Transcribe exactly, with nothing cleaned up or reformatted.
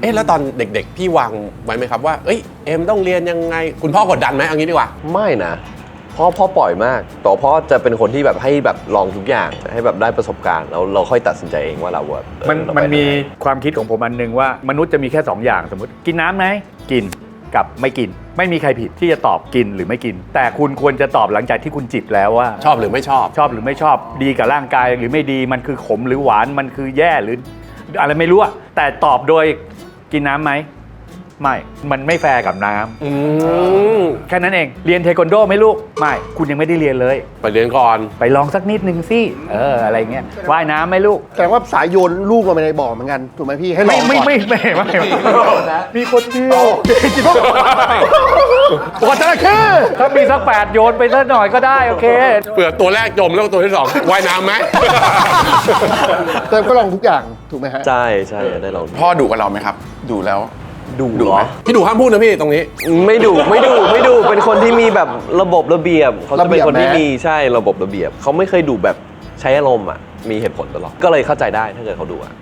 เอ๊ะแล้วตอนเด็กๆพี่วางไว้ไหมครับว่าเอ้ยเอ็มต้องเรียนยังไงคุณพ่อกดดันไหมเอางี้ดีกว่าไม่นะพ่อพ่อปล่อยมากแต่พ่อจะเป็นคนที่แบบให้แบบลองทุกอย่างให้แบบได้ประสบการณ์แล้วเราค่อยตัดสินใจเองว่าเราแบบมันมันมีความคิดของผมอันหนึ่งว่ามนุษย์จะมีแค่สองอย่างสมมติกินน้ำไหมกินกับไม่กินไม่มีใครผิดที่จะตอบกินหรือไม่กินแต่คุณควรจะตอบหลังจากที่คุณจิบแล้วว่าชอบหรือไม่ชอบชอบหรือไม่ชอบดีกับร่างกายหรือไม่ดีมันคือขมหรือหวานมันคือแย่หรืออะไรไม่รู้อะแต่ตอบโดยกินน้ำไหมไม่มันไม่แฟร์กับน้ำอืมแค่นั้นเองเรียนเทควันโดไหมลูกไม่คุณยังไม่ได้เรียนเลยไปเรียนก่อนไปลองสักนิดนึงสิเอออะไรเงี้ยว่ายน้ำไหมลูกแต่ว่าสายโยนลูกลงไปในบ่อเหมือนกันถูกไหมพี่ให้ลไม่องไม่ก่อนไม่ไม่ไม่มีคนเดียวปกติคือถ้ามีสักแปดโยนไปสักหน่อยก็ได้โอเคเปลือกตัวแรกจมแล้วตัวที่สองว่ายน้ำไหมแต่ก็ลองทุกอย่างถูกไหมฮะใช่ใช่ได้ลองพ่อดุกับเราไหมครับดุแล้วดูดุเหรไหมอพี่ดูห้ามพูดนะพี่ตรงนี้ไม่ดูไม่ดูไม่ดูเป็นคนที่มีแบบระบบระเบียบเขาจะเป็นคนที่ระเบียบนะมีใช่ระบบระเบียบเขาไม่เคยดูแบบใช้อารมณ์อ่ะมีเหตุผลตลอดก็เลยเข้าใจได้ถ้าเกิดเขาดูอ่ะ